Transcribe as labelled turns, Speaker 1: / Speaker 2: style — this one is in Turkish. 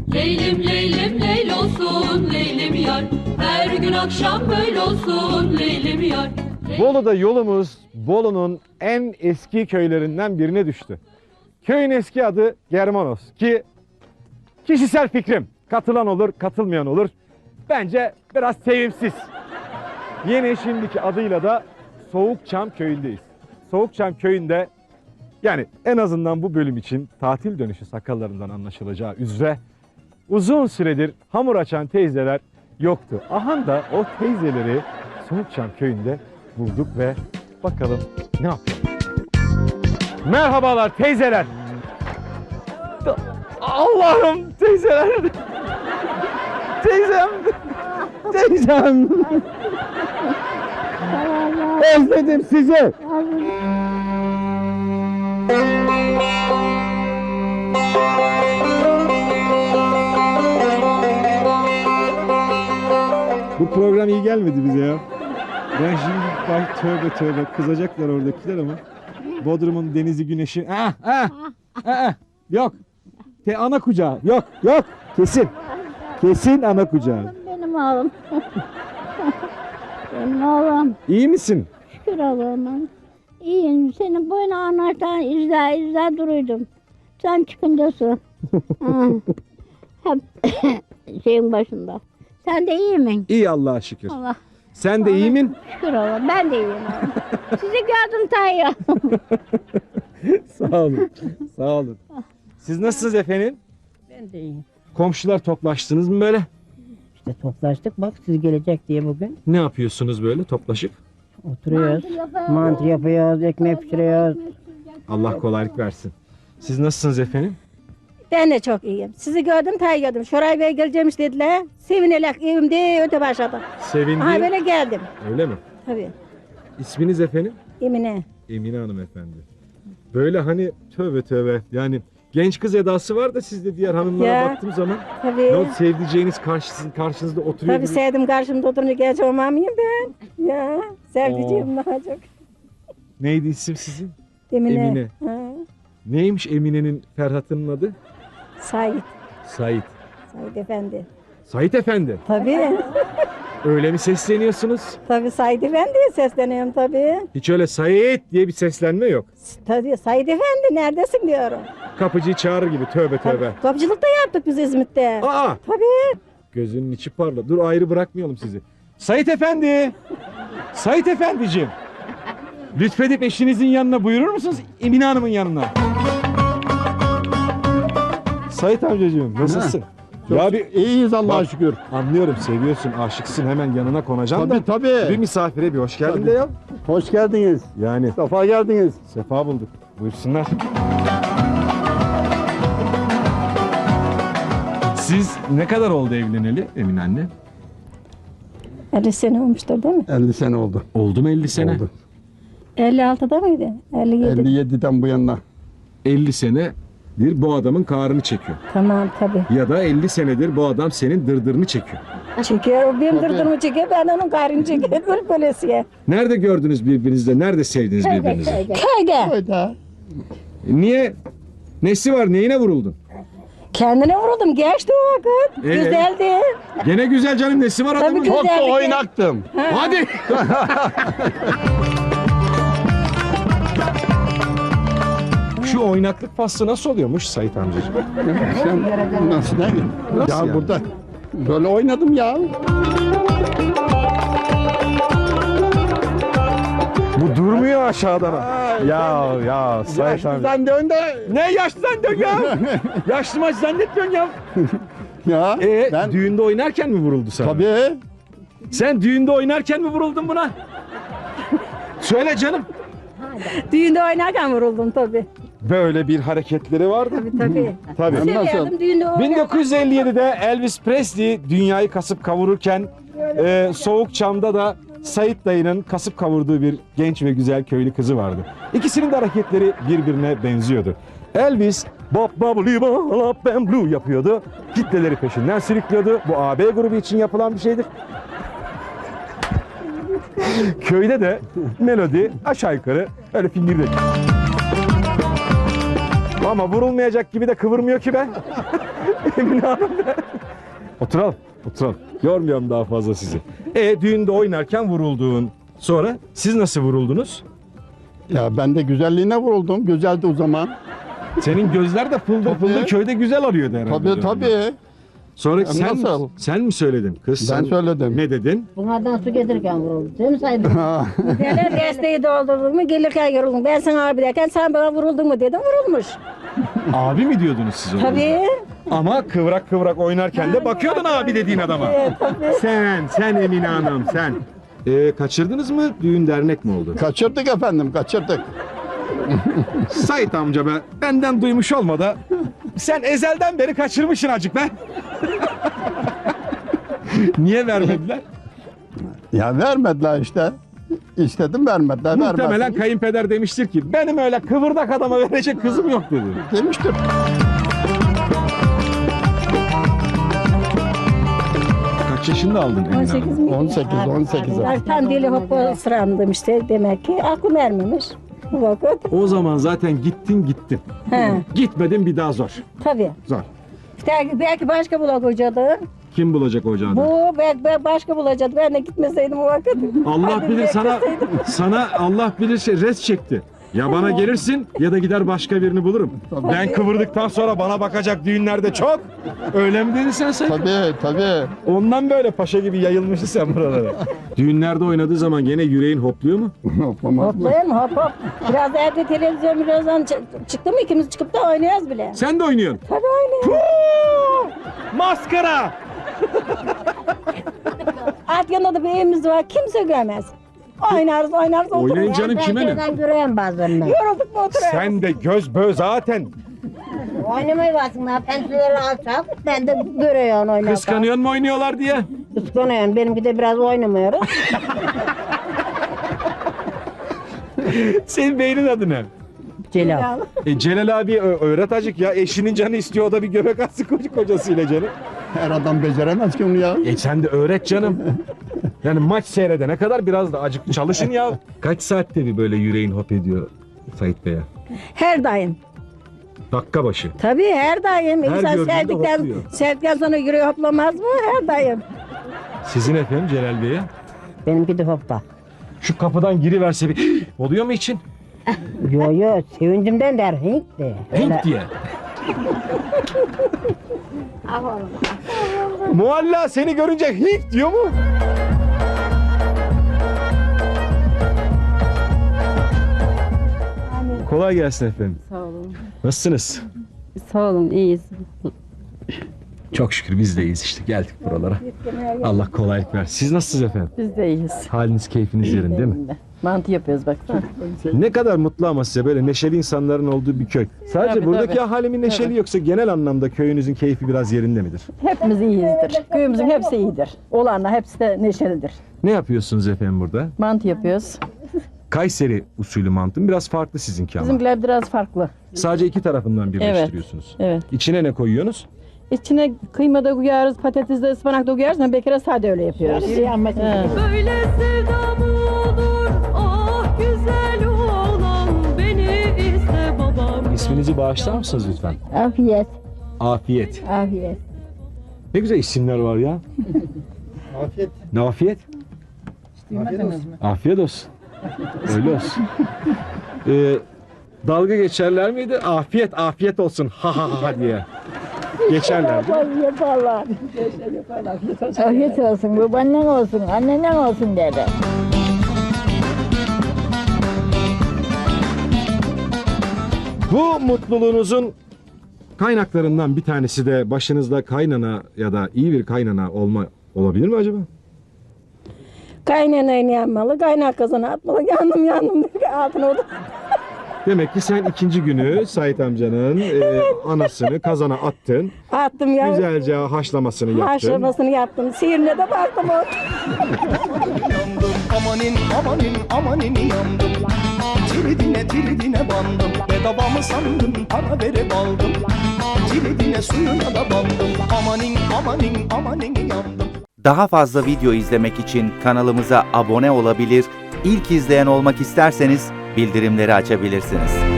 Speaker 1: Leylim leylim leyl olsun leylim yar. Her gün akşam böyle olsun leylim yar.
Speaker 2: Bolu'da yolumuz Bolu'nun en eski köylerinden birine düştü. Köyün eski adı Germanos ki kişisel fikrim. Katılan olur, katılmayan olur. Bence biraz sevimsiz. Yine şimdiki adıyla da Soğukçam köyündeyiz. Soğukçam köyünde yani en azından bu bölüm için tatil dönüşü sakallarından anlaşılacağı üzere uzun süredir hamur açan teyzeler yoktu. Aha da o teyzeleri Soğukçam köyünde bulduk ve bakalım ne yapıyor. Merhabalar teyzeler. Allah'ım teyzeler. Teyzem. Teyzem. Özledim sizi. Bu program iyi gelmedi bize ya. Ben şimdi bak tövbe tövbe kızacaklar oradakiler ama Bodrum'un denizi güneşi yok. Ana kucağı yok kesin ana kucağı.
Speaker 3: Benim oğlum. Benim oğlum.
Speaker 2: İyi misin?
Speaker 3: Şükür Allah'ıma. İyiyim. Senin boyuna anahtar izle duruydum. Sen çıkınca su. Ha. Hep şeyin başında. Sen de iyi misin?
Speaker 2: İyi Allah'a şükür.
Speaker 3: Allah.
Speaker 2: Sen de iyi min?
Speaker 3: Şükür Allah. Ben de iyiyim. oğlum. Sizi gördüm Tayyip.
Speaker 2: Sağ olun. Sağ olun. Siz nasılsınız efendim?
Speaker 4: Ben de iyiyim.
Speaker 2: Komşular toplaştınız mı böyle?
Speaker 4: İşte toplaştık bak siz gelecek diye bugün.
Speaker 2: Ne yapıyorsunuz böyle toplaşıp?
Speaker 4: Oturuyoruz. Mantı yapıyoruz, ekmek pişiriyoruz.
Speaker 2: Allah kolaylık versin. Siz nasılsınız efendim?
Speaker 5: Ben de çok iyiyim. Sizi gördüm, gördüm. Şoray Bey geleceğimiş dediler. Sevinerek evimde öte başladı.
Speaker 2: Sevindim.
Speaker 5: Aha böyle geldim.
Speaker 2: Öyle mi?
Speaker 5: Tabii.
Speaker 2: İsminiz efendim?
Speaker 5: Emine.
Speaker 2: Emine Hanım efendi. Böyle hani tövbe tövbe yani genç kız edası var da sizde diğer hanımlara
Speaker 5: Ya,
Speaker 2: baktığım zaman
Speaker 5: Tabii.
Speaker 2: ne oldu, sevdiceğiniz karşınızda oturuyor
Speaker 5: Tabii
Speaker 2: gibi.
Speaker 5: sevdim karşımda oturunca genç olmam mıyım ben? Ya sevdiceğim daha çok.
Speaker 2: Neydi isim sizin?
Speaker 5: Emine.
Speaker 2: Emine.
Speaker 5: Ha.
Speaker 2: Neymiş Emine'nin Ferhat'ın adı?
Speaker 5: Sait.
Speaker 2: Sait.
Speaker 5: Sait Efendi.
Speaker 2: Sait Efendi.
Speaker 5: Tabii.
Speaker 2: Öyle mi sesleniyorsunuz?
Speaker 5: Tabii Sait Efendi'ye sesleniyorum tabii.
Speaker 2: Hiç öyle Sait diye bir seslenme yok.
Speaker 5: Tabii Sait Efendi neredesin diyorum.
Speaker 2: Kapıcıyı çağırır gibi tövbe tövbe.
Speaker 5: Kapıcılık da yaptık biz İzmit'te.
Speaker 2: Aa!
Speaker 5: Tabii.
Speaker 2: Gözünün içi parla. Dur ayrı bırakmayalım sizi. Sait Efendi! Sait Efendiciğim! Lütfedip eşinizin yanına buyurur musunuz? Emine Hanım'ın yanına. Sait amcacığım nasılsın? Ya bir
Speaker 6: İyiyiz Allah'a
Speaker 2: Bak,
Speaker 6: şükür.
Speaker 2: anlıyorum seviyorsun, aşıksın hemen yanına konacaksın da.
Speaker 6: Tabii.
Speaker 2: Bir misafire bir hoş geldin
Speaker 6: Tabii.
Speaker 2: de ya.
Speaker 6: Hoş geldiniz.
Speaker 2: Yani
Speaker 6: Safa geldiniz.
Speaker 2: sefa bulduk. Buyursunlar. Siz ne kadar oldu evleneli Emine anne?
Speaker 5: 50 sene olmuştur değil mi?
Speaker 6: 50 sene oldu.
Speaker 2: Oldu mu 50 sene?
Speaker 6: Oldu.
Speaker 5: 56'da mıydı? 57.
Speaker 6: 57'den bu yana.
Speaker 2: 50 senedir bu adamın kahrını çekiyor.
Speaker 5: Tamam tabii.
Speaker 2: Ya da 50 senedir bu adam senin dırdırını çekiyor.
Speaker 5: Çekiyor, o benim dırdırımı çekiyor, ben onun gayrını çekiyorum, böyle böylesiye.
Speaker 2: Nerede gördünüz birbirinizi? Nerede sevdiniz birbirinizi?
Speaker 5: Köyde.
Speaker 6: Öyle.
Speaker 2: Niye? Nesi var? Neyine vuruldun?
Speaker 5: Kendine vuruldum, geçti o vakit. Güzeldi.
Speaker 2: Gene güzel canım. Nesi var adamın?
Speaker 5: Tabii
Speaker 6: Çok
Speaker 5: güzeldi.
Speaker 6: da oynaktım.
Speaker 2: Hadi. Şu oynaklık faslı nasıl oluyormuş Sait amcacığım?
Speaker 6: Sen nasıl değil mi?
Speaker 2: Nasıl
Speaker 6: Ya
Speaker 2: yani?
Speaker 6: burada böyle oynadım ya.
Speaker 2: Bu durmuyor aşağıdan. Ya Sait amca.
Speaker 6: Yaşlıdan dön de.
Speaker 2: Ne yaşlı zannediyorsun ya? Yaşlı maç zannetmiyorsun ya.
Speaker 6: Ya ben
Speaker 2: Düğünde oynarken mi vuruldu sana?
Speaker 6: tabii.
Speaker 2: Sen düğünde oynarken mi vuruldun buna? Söyle canım.
Speaker 5: Düğünde oynarken vuruldum tabii.
Speaker 2: Böyle bir hareketleri vardı.
Speaker 5: Tabii.
Speaker 2: Tabii.
Speaker 6: Nasıl?
Speaker 5: Severdim düğünde oynarken.
Speaker 2: 1957'de Elvis Presley dünyayı kasıp kavururken Soğukçam'da da Sait dayının kasıp kavurduğu bir genç ve güzel köylü kızı vardı. İkisinin de hareketleri birbirine benziyordu. Elvis Bop Bubbly Bop and Blue yapıyordu. Kitleleri peşinden sürüklüyordu. Bu AB grubu için yapılan bir şeydir. Köyde de melodi aşağı yukarı öyle fingirdek. Ama vurulmayacak gibi de kıvırmıyor ki ben. Emine Hanım. Oturalım. Oturalım. Yormuyorum daha fazla sizi. Düğünde oynarken vuruldun. Sonra siz nasıl vuruldunuz?
Speaker 6: Ya ben de güzelliğine vuruldum. Güzeldi o zaman.
Speaker 2: Senin gözler de fıldır
Speaker 6: Tabii.
Speaker 2: fıldır köyde güzel arıyordu herhalde.
Speaker 6: Tabii.
Speaker 2: Sonra
Speaker 6: Nasıl?
Speaker 2: sen mi söyledin kız?
Speaker 6: Ben
Speaker 2: sen
Speaker 6: söyledim.
Speaker 2: Ne dedin?
Speaker 4: Bunlardan su getirirken vuruldu. Değil mi Saydın?
Speaker 5: Derler desteği doldurdun mu gelirken yoruldun. Ben sana abi derken sen bana vuruldun mu dedim vurulmuş.
Speaker 2: Abi mi diyordunuz siz ona?
Speaker 5: Tabii.
Speaker 2: Ama kıvrak kıvrak oynarken de bakıyordun abi dediğin adama. Sen Emine Hanım sen. Kaçırdınız mı? Düğün dernek mi oldu?
Speaker 6: Kaçırdık efendim, kaçırdık.
Speaker 2: Sait amca be, benden duymuş olma da sen ezelden beri kaçırmışsın acık be. Niye vermediler?
Speaker 6: Ya vermediler işte. İstedim vermediler.
Speaker 2: Muhtemelen
Speaker 6: vermezsin.
Speaker 2: kayınpeder demiştir ki benim öyle kıvırdak adama verecek kızım yok dedi.
Speaker 6: Demiştir.
Speaker 2: Kaç yaşında aldın Emine
Speaker 5: 18
Speaker 2: Hanım?
Speaker 5: mi?
Speaker 6: 18.
Speaker 5: Tam deli hoppa sırandım işte demek ki aklım ermemiş. Bu vakit.
Speaker 2: O zaman zaten gittin.
Speaker 5: He,
Speaker 2: Gitmedin bir daha zor.
Speaker 5: tabii.
Speaker 2: Zor.
Speaker 5: Belki başka bulak hocadı.
Speaker 2: Kim bulacak ocağını?
Speaker 5: Bu belki başka bulacaktı. Ben de gitmeseydim o vakit.
Speaker 2: Allah
Speaker 5: Hadi
Speaker 2: bilir
Speaker 5: bekleseydim.
Speaker 2: sana Allah bilir res çekti. Ya bana gelirsin ya da gider başka birini bulurum. Ben kıvırdıktan sonra bana bakacak düğünlerde çok. Öyle mi dedin sen?
Speaker 6: Tabii.
Speaker 2: Ondan böyle paşa gibi yayılmışsın sen buralara. Düğünlerde oynadığı zaman gene yüreğin hopluyor mu?
Speaker 6: Yapamaz mı?
Speaker 5: Hoplayayım hop. Biraz evde televizyon birazdan çıktı mı ikimiz çıkıp da oynuyoruz bile.
Speaker 2: Sen de oynuyorsun.
Speaker 5: Tabii oynuyoruz.
Speaker 2: Maskara!
Speaker 5: Alt yanında da bir evimiz var kimse görmez. Oynarız
Speaker 2: Oynayın
Speaker 5: otururuz.
Speaker 2: canım kime ne?
Speaker 4: Ben göreyim bazen ben.
Speaker 5: Yorulduk mu oturuyoruz.
Speaker 2: Sen de göz bö zaten.
Speaker 4: Oynamayı varsın lan. Pençeleri alçak. Ben de görüyorum oynarken.
Speaker 2: Kıskanıyor mu oynuyorlar diye?
Speaker 4: Kıskanıyorum. Benimki de biraz oynamıyoruz.
Speaker 2: Senin beynin adı ne?
Speaker 4: Celal.
Speaker 2: Celal abi öğret acık ya. Eşinin canı istiyor o da bir göbek atsın kocasıyla canım.
Speaker 6: Her adam beceremez ki onu ya.
Speaker 2: Sen de öğret canım. Yani maç seyredene kadar biraz da acık çalışın ya. Kaç saatte bir böyle yüreğin hop ediyor Sait Bey'e?
Speaker 5: Her daim.
Speaker 2: Dakika başı.
Speaker 5: Tabii her daim.
Speaker 2: Her
Speaker 5: İnsan
Speaker 2: gördüğünde hopluyor.
Speaker 5: sevdikten sonra yüreği hoplamaz mı? Her daim.
Speaker 2: Sizin efendim Celal Bey'e?
Speaker 4: Benimki de hoppa.
Speaker 2: Şu kapıdan giriverse bir oluyor mu için?
Speaker 4: Yo sevincimden der. Hink de.
Speaker 2: Hink diye. Mualla seni görünce hink diyor mu? Kolay gelsin efendim.
Speaker 7: Sağ olun.
Speaker 2: Nasılsınız?
Speaker 7: Sağ olun, iyiyiz.
Speaker 2: Çok şükür biz de iyiyiz işte geldik buralara. Allah kolaylık versin. Siz nasılsınız efendim?
Speaker 7: Biz de iyiyiz.
Speaker 2: Haliniz keyfiniz yerinde değil mi?
Speaker 7: Mantı yapıyoruz bak.
Speaker 2: Ne kadar mutlu ama size böyle neşeli insanların olduğu bir köy. Sadece
Speaker 7: Tabii,
Speaker 2: buradaki
Speaker 7: tabii.
Speaker 2: ahali mi neşeli yoksa genel anlamda köyünüzün keyfi biraz yerinde midir?
Speaker 7: Hepimiz iyiyizdir. Köyümüzün hepsi iyidir. Olanlar hepsi de neşelidir.
Speaker 2: Ne yapıyorsunuz efendim burada?
Speaker 7: Mantı yapıyoruz.
Speaker 2: Kayseri usulü mantım biraz farklı sizinki ama.
Speaker 7: Bizimkiler biraz farklı.
Speaker 2: Sadece iki tarafından birleştiriyorsunuz.
Speaker 7: Evet.
Speaker 2: İçine ne koyuyorsunuz?
Speaker 7: İçine kıyma da koyarız, patates de ıspanak da koyarız. Ama bekara sade öyle yapıyoruz. He.
Speaker 1: Böyle sevda mı olur? Ah güzel oğlan beni iste babam.
Speaker 2: İsminizi bağışlar mısınız lütfen?
Speaker 3: Afiyet,
Speaker 2: Afiyet.
Speaker 3: afiyet.
Speaker 2: Ne güzel isimler var ya.
Speaker 6: Afiyet.
Speaker 2: Ne afiyet? Afiyet olsun. Öyle olsun. Dalga geçerler miydi? Afiyet olsun ha ha ha diye. Geçerler değil mi?
Speaker 3: Yaparlar. Afiyet olsun, babaannen olsun, annennen olsun dedi.
Speaker 2: Bu mutluluğunuzun kaynaklarından bir tanesi de başınızda kaynana ya da iyi bir kaynana olabilir mi acaba?
Speaker 5: Kaynanayı yanmalı, kaynak kazana atmalı. Yandım diye altına oldu.
Speaker 2: Demek ki sen ikinci günü Sait amcanın anasını kazana attın.
Speaker 5: Attım ya.
Speaker 2: Güzelce haşlamasını yaptın.
Speaker 5: Haşlamasını yaptım. Sihirine de baktım o.
Speaker 8: Yandım amanin yandım. Tiridine bandım. Bedava mı sandın para verip aldım. Tiridine suyuna da bandım. Amanin yandım.
Speaker 9: Daha fazla video izlemek için kanalımıza abone olabilir, ilk izleyen olmak isterseniz bildirimleri açabilirsiniz.